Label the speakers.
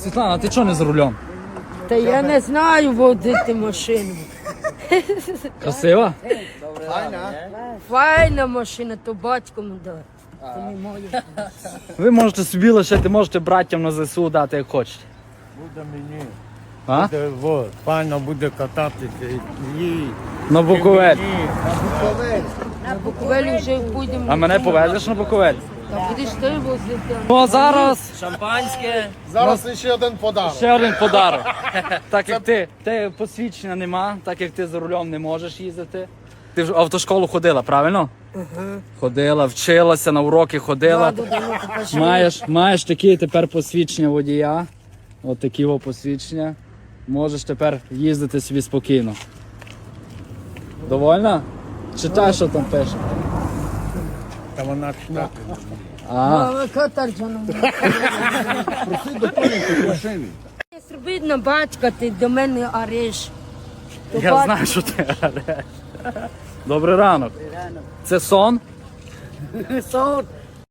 Speaker 1: Світлана, ти чого не за рулем?
Speaker 2: Та я не знаю водити машину.
Speaker 1: Красива?
Speaker 2: Файна машина, то батько му дав. То не моя.
Speaker 1: Ви можете собі лишити, можете братям на ЗСУ дати, як хочете.
Speaker 3: Буде мені.
Speaker 1: А?
Speaker 3: Буде, вот, файно буде кататися. Їй.
Speaker 1: На Буковель.
Speaker 2: На Буковелі вже будемо.
Speaker 1: А мене повезеш на Буковель?
Speaker 2: Та будеш ти возити.
Speaker 1: Ну а зараз
Speaker 4: Шампанське.
Speaker 5: Зараз ще один подарок.
Speaker 1: ще один подарок. Так як ти посвідчення нема, так як ти за рулем не можеш їздити. Ти в автошколу ходила, правильно? Ходила, вчилася, на уроки ходила. Маєш такі тепер посвідчення водія. От такі посвідчення. Можеш тепер їздити собі спокійно. Довольна? Читай, що там пише.
Speaker 3: Та вона читати.
Speaker 2: Мама, катарджана. Зробіть на батька, ти до мене ареш.
Speaker 1: Я знаю, що ти ореш. Добрий ранок. Це сон?
Speaker 2: Сон.